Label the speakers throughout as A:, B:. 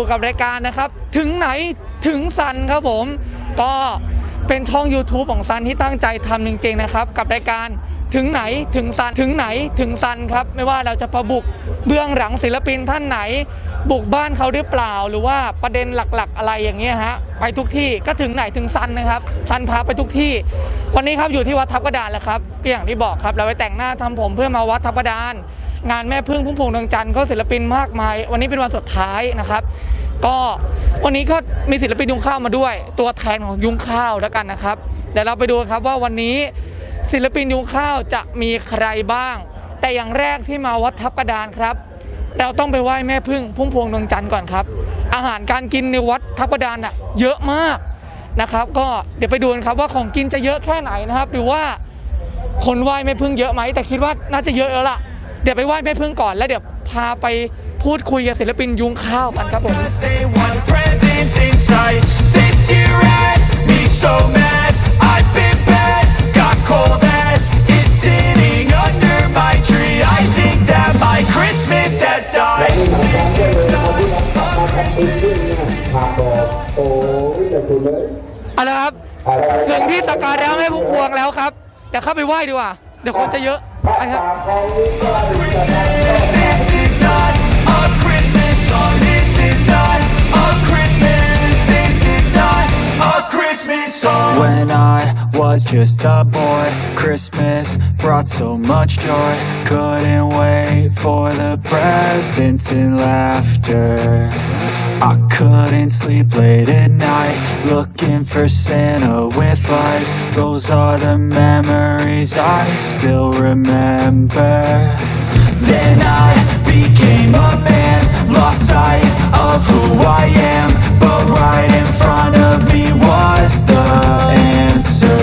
A: กับรายการนะครับถึงไหนถึงซันครับผมก็เป็นช่อง YouTube ของซันที่ตั้งใจทำจริงๆนะครับกับรายการถึงไหนถึงซันถึงไหนถึงซันครับไม่ว่าเราจะประบุกเบื้องหลังศิลปินท่านไหนบุกบ้านเขาหรือเปล่าหรือว่าประเด็นหลักๆอะไรอย่างเงี้ยฮะไปทุกที่ก็ถึงไหนถึงซันนะครับซันพาไปทุกที่วันนี้ครับอยู่ที่วัดทับกระดานแล้วครับอย่างที่บอกครับเราไปแต่งหน้าทำผมเพื่อมาวัดทับกระดานงานแม่พึ่งพุ่มพวงดวงจันทร์ก็ศิลปินมากมายวันนี้เป็นวันสุดท้ายนะครับก็วันนี้ก็มีศิลปินยุงข้าวมาด้วยตัวแทนของยุงข้าวแล้วกันนะครับเดี๋ยวเราไปดูครับว่าวันนี้ศิลปินยุงข้าวจะมีใครบ้างแต่อย่างแรกที่มาวัดทับกระดานครับเราต้องไปไหว้แม่พึ่งพุ่มพวงดวงจันทร์ก่อนครับอาหารการกินในวัดทับกระดานน่ะเยอะมากนะครับก็เดี๋ยวไปดูกันครับว่าของกินจะเยอะแค่ไหนนะครับหรือว่าคนไหว้แม่พึ่งเยอะไหมแต่คิดว่าน่าจะเยอะแล้วล่ะเดี๋ยวไปไหว้แม่พึ่งก่อนแล้วเดี๋ยวพาไปพูดคุยกับศิลปินยุงข้าวกันครับผมเอาละครับถึงที่สักการะแม่พุ่มพวงแล้วครับเดี๋ยวเข้าไปไหว้ดีกว่าเดี๋ยวคนจะเยอะไปครับ
B: When I was just a boy, Christmas brought so much joy. Couldn't wait for the presents and laughter. I couldn't sleep late at night, looking for Santa with lights. Those are the memories I still remember. Then I became a man, lost sight of who I am. But right in front of me was the answer.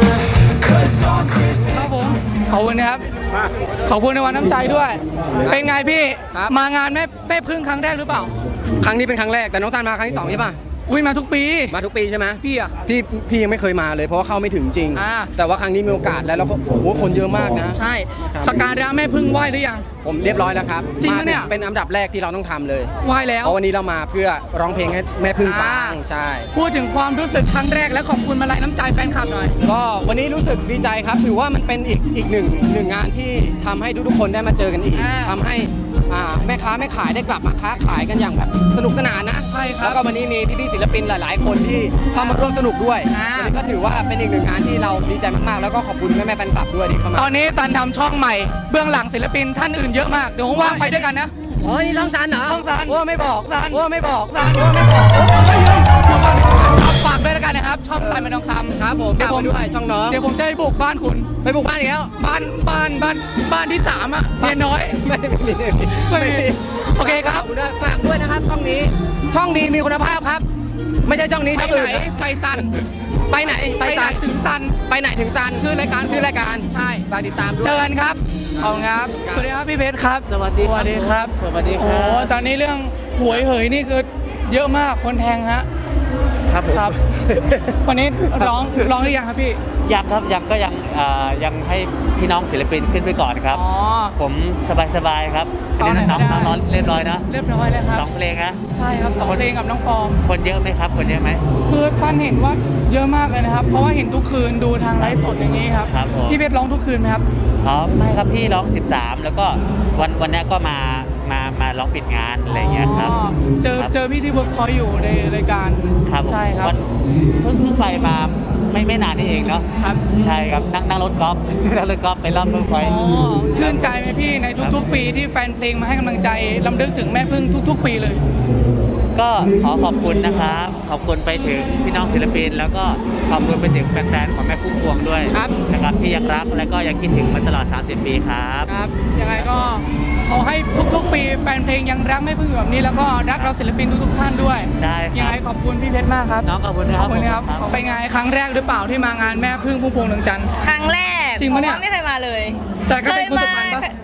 B: 'Cause on Christmas
A: ครับผมขอบคุณนะครับขอบคุณในวันน้ำใจด้วยเป็นไงพี่มางานแม่พึ่งครั้งแรกหรือเปล่า
C: ครั้งนี้เป็นครั้งแรกแต่น้องซันมาครั้งที่2ใช่ป่ะ
A: วิ่งมาทุกปี
C: มาทุกปีใช่ไหม
A: พี่อะ
C: พี่ยังไม่เคยมาเลยเพราะว่าเข้าไม่ถึงจริงแต่ว่าครั้งนี้มีโอกาสแล้วก็โอ้โหคนเยอะมากนะ
A: ใช่สักการะแม่พึ่งไหว้หรือยัง
C: ผมเรียบร้อยแล้วครับ
A: จริงปะเนี่ย
C: เป็นอันดับแรกที่เราต้องทำเลย
A: ไหว้แล้ว
C: เพราะวันนี้เรามาเพื่อร้องเพลงให้แม่พึ่งฟังใช่
A: พูดถึงความรู้สึกครั้งแรกและขอบคุณมาลัยน้ำใจแฟนคลับหน่อย
C: ก็วันนี้รู้สึกดีใจครับถือว่ามันเป็นอีกหนึ่งงานที่ทำให้ทุกคนได้มาเจอกันอีกทำให้แม่ค้าแม่ขายได้กลับมาค้าขายกันอย่างแบบสนุกสนานนะ
A: ใช่ครับ
C: แล้วก็วันนี้มีพี่ๆศิลปินหลายๆคนที่เข้ามาร่วมสนุกด้วยวันนี้ก็ถือว่าเป็นอีกหนึ่งงานที่เราดีใจมากๆแล้วก็ขอบคุณแม่แฟนคลับด้วยที่เข้ามา
A: ตอนนี้ซันทำช่องใหม่เบื้องหลังศิลปินท่านอื่นเยอะมากเดี๋ยวว่างไปด้วยกันนะ
C: อ๋อนี่ช่องซันเหรอ
A: ช่องซัน
C: ว่าไม่บอก
A: ซัน
C: ว่าไม่บอก
A: ซันว่าไม่บอกฝากด้วยแล้วกันนะครับช่องซันเป็นทองคำ
C: ครับผมฝากด้วยช่องน้อง
A: เดี๋ยวผมจะไปบุกบ้านคุณ
C: ไปบุกบ้านอีกแล้ว
A: บ้านที่3อ่ะเมียน้อย
C: ไม่มี
A: โอเคครับ
C: ฝากด้วยนะครับช่องนี้มีคุณภาพครับไม่ใช่ช่องนี้ช่องอื่น
A: ไปซัน
C: ไปไหน
A: ถึงซัน
C: ไปไหนถึงซัน
A: ชื่อรายการ
C: ใช่ฝากติดตามด้วย
A: เจอกันครับขอบคุณครับสวัสดีครับพี่เพชรครับ
D: สวัสดีครับ
A: โอ้ตอนนี้เรื่องหวยเหยนี่คือเยอะมากคนแทงฮะ
D: ครับผม
A: วันนี้ร้องหรือยังครับพี่
D: ยังครับยังให้พี่น้องศิลปินขึ้นไปก่อนครับผมสบายครับน้องเรียบร้อยนะ
A: เรียบร้อยเลยครับ
D: 2 เพลงนะ
A: ใช่ครับ2 เพลงกับน้องฟอร์ม
D: คนเยอะไหมครับคนเยอะไหม
A: คือท่านเห็นว่าเยอะมากเลยนะครับเพราะว่าเห็นทุกคืนดูทางไลฟ์สดอย่างนี้ครับพี่เพชรร้องทุกคืนไหมครับ
D: ไม่ครับพี่ร้อง13แล้วก็วันนี้ก็มาร้องปิดงานอะไรอย่างเงี้ยครับ
A: เจอพี่ที่เวิร์กพอยต์อยู่ในรายการใช่ครับ
D: เพิ่งไปมาไม่นานนี่เองเนาะ
A: ครับ
D: ใช่ครับนั่งรถกอล์ฟไปรอบเวิร์กพอยต์
A: ชื่นใจไหมพี่ในทุกๆปีที่แฟนเพลงมาให้กำลังใจรำลึกถึงแม่พึ่งทุกๆปีเลย
D: ก็ขอบคุณนะครับขอบคุณไปถึงพี่น้องศิลปินแล้วก็ขอบคุณไปถึงแฟนๆของแม่พุ่มพวงด้วยนะครับที่ยังรักและก็ยังคิดถึงมาตลอด30 ปีครับ
A: ยังไงก็ขอให้ทุกๆปีแฟนเพลงยังรักแม่พึ่งแบบนี้แล้วก็รักเราศิลปินทุกท่านด้วย
D: ได้
A: ยังไงขอบคุณพี่เพชรมากครับ
D: น้องขอบคุณครับ
A: ไปไงครั้งแรกหรือเปล่าที่มางานแม่พึ่งพุ่มพวงดวงจันทร์
E: ครั้งแรก
A: จริงปะเนี่ย
E: ไม่เคยมาเลย
A: แต่ก็เป็นคุณสุพรรณปะ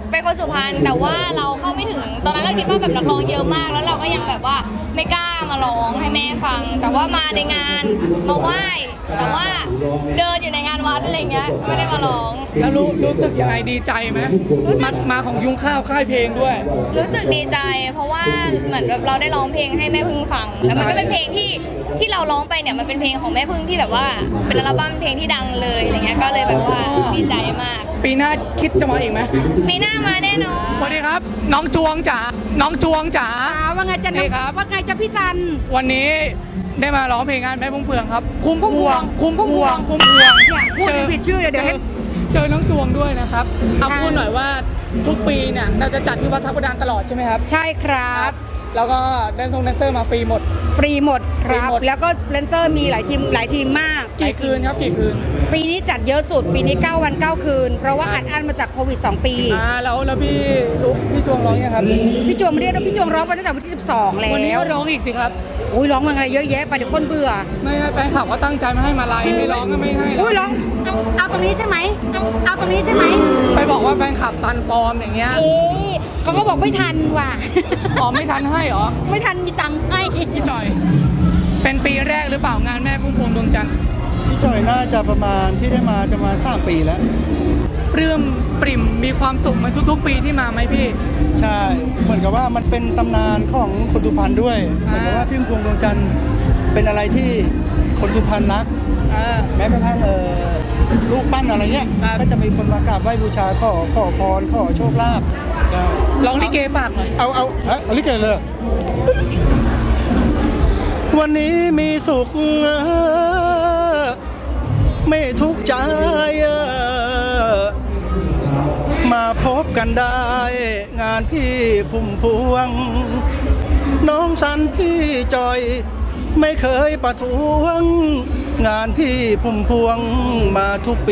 E: เป็นคนสุพรรณแต่ว่าเราเข้าไม่ถึงตอนนั้นเราคิดว่าแบบนักร้องเยอะมากแล้วเราก็ยังแบบว่าไม่กล้ามาร้องให้แม่ฟัง แต่ว่ามาในงานมาไหว้แต่ว่าเดินอยู่ในงานวัดอะไรเงี้ยไม่ได้มาร้อง
A: แล้วรู้สึกยังไงดีใจไหม
E: รู้สึก
A: มาของยุงข้าวค่ายเพลงด้วย
E: รู้สึกดีใจ เพราะว่าเหมือนแบบเราได้ร้องเพลงให้แม่พึ่งฟัง แล้วมันก็เป็นเพลงที่เราร้องไปเนี่ยมันเป็นเพลงของแม่พึ่งที่แบบว่าเป็นอัลบั้มเพลงที่ดังเลยอะไรเงี้ยก็เลยแบบว่าดีใจมาก
A: ปีหน้าคิดจะมาอีกไหม
E: ปีหน้ามาแน่นอน
A: สวัสดีครับ น้องจวงจ๋าน้องจวงจ๋า
F: ว่าไงจะ
A: นี่ครับ
F: ว่าไงจะพี่ตัน
A: วันนี้ได้มาร้องเพลงงานแม่พุ่มพวงครับ คุ้มพวง
F: พุ่มพวง
A: พุ่มพวง
F: เนี่ยพูดผิดชื่อเดี๋ยวให้
A: เจอน้องจวงด้วยนะครับเอา
F: ค่ะ
A: พูดหน่อยว่าทุกปีเนี่ยเราจะจัดที่วัดทับกระดานตลอดใช่ไหมครับ
F: ใช่ครับ
A: แล้วก็แดนเซอร์มาฟรีหมด
F: ฟรีหมดครั
A: ฟรี
F: บ
A: หมด
F: แล้วก็เลนเซอร์มีหลายทีมมาก
A: กี่คืนครับกี่คืน
F: ปีนี้จัดเยอะสุด ปีนี้ 9 วัน 9 คืน เพราะว่าอัดอั้นมาจากโควิด 2 ปี
A: แล้วพี่จวงร้องยังครับ
F: พี่จวงไม่ได้พี่จวงร้องมาตั้งแต่วันที่ 12 แล้ว
A: วันนี้ก็ร้องอีกสิครับ
F: อุ้ยร้องมาไงเยอะแยะไปเดี๋ยวคนเบื่อ
A: ไม่ให้แฟนคลับก็ตั้งใจมาให้มาไลน์ไม่ร้องก็ไม่ให้
F: อุ้ย
A: แล้ว
F: ร้องเอาตรงนี้ใช่ไหมเอาตรงนี้ใช่ไหม
A: ไปบอกว่าแฟนคลับซันฟอร์มอย่างเงี้ย
F: เอ๊ะเขาก็บอกไม่ทันว่ะ
A: อ๋อไม่ทันให้เหรอ
F: ไม่ทันมีตังค์ให้
A: พี่จอย เป็นปีแรกหรือเปล่างานแม่พุ่มพวงดวงจันทร์
G: พี่จอยน่าจะประมาณที่ได้มาจะมา3 ปีแล้ว
A: ปลื้มปริ่มมีความสุขเหมือนทุกๆ ปีที่มาไหมพี่
G: ใช่ เหมือนกับว่ามันเป็นตำนานของคนสุพรรณด้วยเหมือนกับว่าพี่พุ่มพวงดวงจันทร์เป็นอะไรที่คนสุพรรณรัก แม้กระทั่งลูกปั้นอะไรเงี้ย
A: ครับ
G: ก็จะมีคนมากราบไหว้บูชาขอพรขอโชคลาภใช่
A: ร้องลิเกฝากหน่อย
G: เอาลิเกเลย วันนี้มีสุขไม่ทุกข์ใจมาพบกันได้ งานพี่พุ่มพวง น้องสันพี่จอยไม่เคยประท้วง งานพี่พุ่มพวงมาทุกปี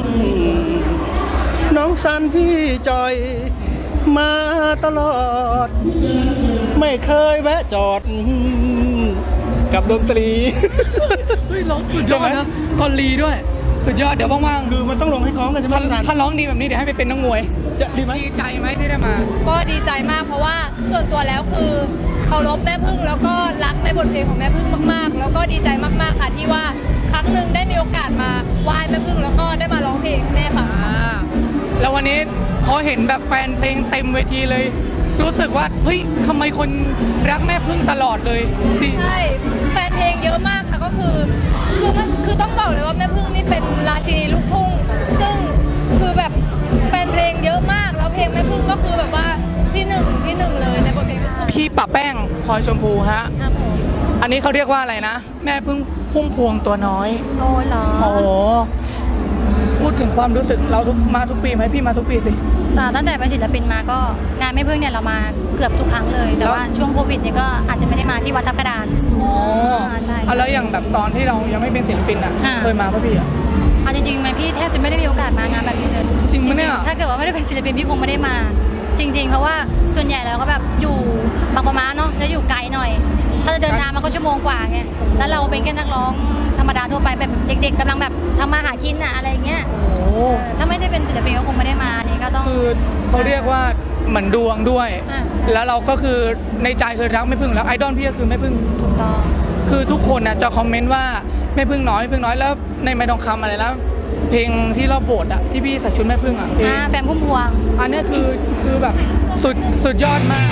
G: น้องสันพี่จอยมาตลอด ไม่เคยแวะจอด กับดนตรี
A: เฮ้ยร้องสุดยอด
G: ใช่ไหม
A: นะกอลีด้วย สุดยอดเดี๋ยวว่าง
G: คือมันต้องลงให้คล้องกันใช่ไหม
A: ๆถ้าร้องดีแบบนี้เดี๋ยวให้ไปเป็นนักมวย
G: จะดีไหม
A: ดีใจไหมที่ได้มา
E: ก็ดีใจมากเพราะว่าส่วนตัวแล้วคือเคารพแม่พึ่งแล้วก็รักในบทเพลงของแม่พึ่งมากๆ แล้วก็ดีใจมากๆค่ะที่ว่าครั้งหนึ่งได้มีโอกาสมาไหว้แม่พึ่งแล้วก็ได้มาร้องเพลงให้แม่ฟัง
A: แล้ววันนี้พอเห็นแบบแฟนเพลงเต็มเวทีเลย รู้สึกว่าเฮ้ยทำไมคนรักแม่พึ่งตลอดเลยดี
E: ใช่แฟนเพลงเยอะมากค่ะก็คือต้องบอกเลยว่าแม่พึ่งนี่เป็นราชินีลูกทุ่งซึ่งคือแบบแฟนเพลงเยอะมากแล้วเพลงแม่พึ่งก็คือแบบว่าที่หนึ่งเลยในบทเพลงลูกทุ่ง
A: พี่ปะแป้งพลอยชมพูฮะ
E: ครับผม
A: อันนี้เขาเรียกว่าอะไรนะ แม่พึ่งพุ่มพวงตัวน้อย
E: โอ้เหรอ
A: โอ้โห พูดถึงความรู้สึกเรามาทุกปีไหมพี่มาทุกปีสิ
H: ตั้งแต่เป็นศิลปินมาก็งานแม่พึ่งเนี่ยเรามาเกือบทุกครั้งเลย แต่ว่าช่วงโควิดเนี่ยก็อาจจะไม่ได้มาที่วัดทับกระดาน
A: อ๋อ
H: ใช่
A: เอาแล้วอย่างแบบตอนที่เรายังไม่เป็นศิลปินอ่ะ
H: อ่า
A: เคยมาป่ะพี่อ่ะ
H: เอาจริงๆไหมพี่แทบจะไม่ได้มีโอกาสมางานแบบนี้เลย
A: จริงปะเนี่ย
H: ถ้าเกิดว่าไม่ได้เป็นศิลปินพี่คงไม่ได้มา จริง ๆ เพราะว่าส่วนใหญ่แล้วก็แบบอยู่บางประมาเนาะแล้วอยู่ไกลหน่อย ถ้าจะเดินทางมันก็ชั่วโมงกว่าไงแล้วเราเป็นแค่นักร้องธรรมดาทั่วไปแบบเด็ก ๆกำลังแบบทำมาหากินอะอะไรอย่างเงี้ย
A: โอ้
H: ถ้าไม่ได้เป็นศิลปินก็คงไม่ได้มานี่ก็ต้อง
A: คือเขาเรียกว่าเหมือนดวงด้วย
H: อ่าใช่
A: แล้วเราก็คือในใจคือรักแม่พึ่งแล้วไอดอลพี่ก็คือแม่พึ่ง
H: ถูกต้อง
A: คือทุกคนน่ะจะคอมเมนต์ว่าแม่พึ่งน้อยแล้วในไม้ทองคำอะไรแล้วเพลงที่รอบโบสถ์อ่ะที่พี่ใส่ชุดแม่พึ่งอ่ะเพลง
H: แฟนพุ่มพวง
A: อันเนี้ยคือแบบสุดยอดมาก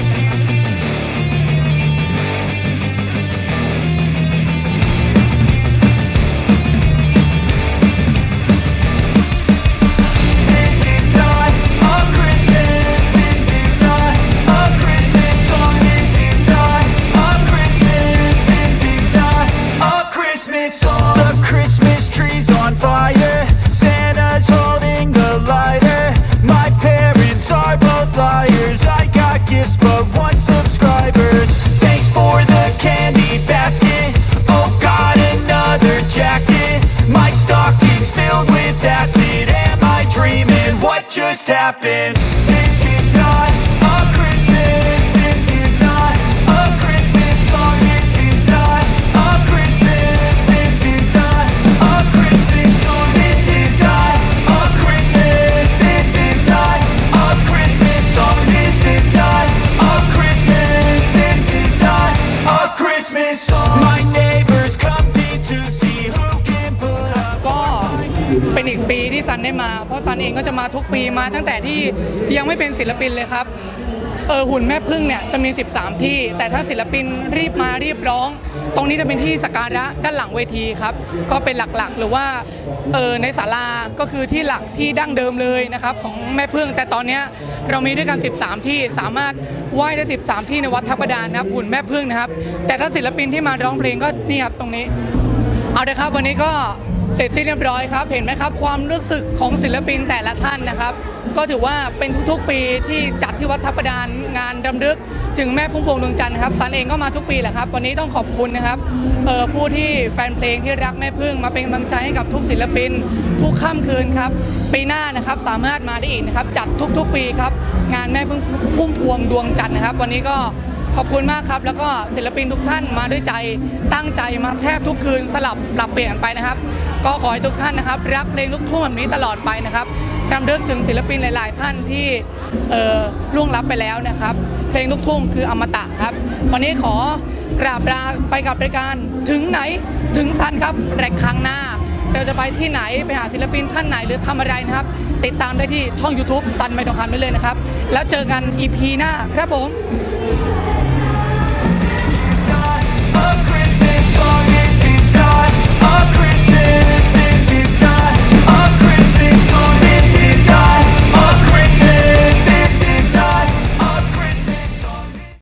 B: The Christmas tree's on fire. Santa's holding the lighter. My parents are both liars. I got gifts but one subscribers. Thanks for the candy basket. Oh, got another jacket. My stocking's filled with acid. Am I dreaming? What just happened? This is not a Christmas. This is not a Christmas song. This is not a Christmas. This is not a Christmas song. This is not a Christmas. This is not a Christmas
A: เป็นอีกปีที่ซันได้มาเพราะซันเองก็จะมาทุกปีมาตั้งแต่ที่ยังไม่เป็นศิลปินเลยครับหุ่นแม่พึ่งเนี่ยจะมี 13 ที่แต่ถ้าศิลปินรีบมารีบร้อง ตรงนี้จะเป็นที่สักการะด้านหลังเวทีครับก็เป็นหลักๆหรือว่าในศาลาก็คือที่หลักที่ดั้งเดิมเลยนะครับของแม่พึ่งแต่ตอนนี้เรามีด้วยกัน 13 ที่สามารถไหว้ได้ 13 ที่ในวัดทับกระดานนะครับหุ่นแม่พึ่งนะครับแต่ถ้าศิลปินที่มาร้องเพลงก็นี่ครับตรงนี้เอาเลยครับวันนี้ก็เสร็จสิ้นเรียบร้อยครับเห็นไหมครับความรู้สึกของศิลปินแต่ละท่านนะครับก็ถือว่าเป็นทุกๆปีที่จัดที่วัดทับกระดานงานรำลึกถึงแม่พุ่มพวงดวงจันทร์ครับซันเองก็มาทุกปีแหละครับวันนี้ต้องขอบคุณนะครับผู้ที่แฟนเพลงที่รักแม่พึ่งมาเป็นกำลังใจให้กับทุกศิลปินทุกค่ำคืนครับปีหน้านะครับสามารถมาได้อีกนะครับจัดทุกๆปีครับงานแม่พึ่งพุ่มพวงดวงจันทร์นะครับวันนี้ก็ขอบคุณมากครับแล้วก็ศิลปินทุกท่านมาด้วยใจตั้งใจมาแทบทุกคืนสลับปรับเปลี่ยนไปนะครับก็ขอให้ทุกท่านนะครับรักเพลงลูกทุ่งแบบนี้ตลอดไปนะครับรำลึกถึงศิลปินหลายๆท่านที่ล่วงลับไปแล้วนะครับเพลงลูกทุ่งคืออมตะครับวันนี้ขอกราบลาไปกับรายการถึงไหนถึงซันครับแต่ครั้งหน้าเราจะไปที่ไหนไปหาศิลปินท่านไหนหรือทำอะไรนะครับติดตามได้ที่ช่อง YouTube ซันไม่ต้องคำได้เลยนะครับแล้วเจอกัน EP หน้าครับผม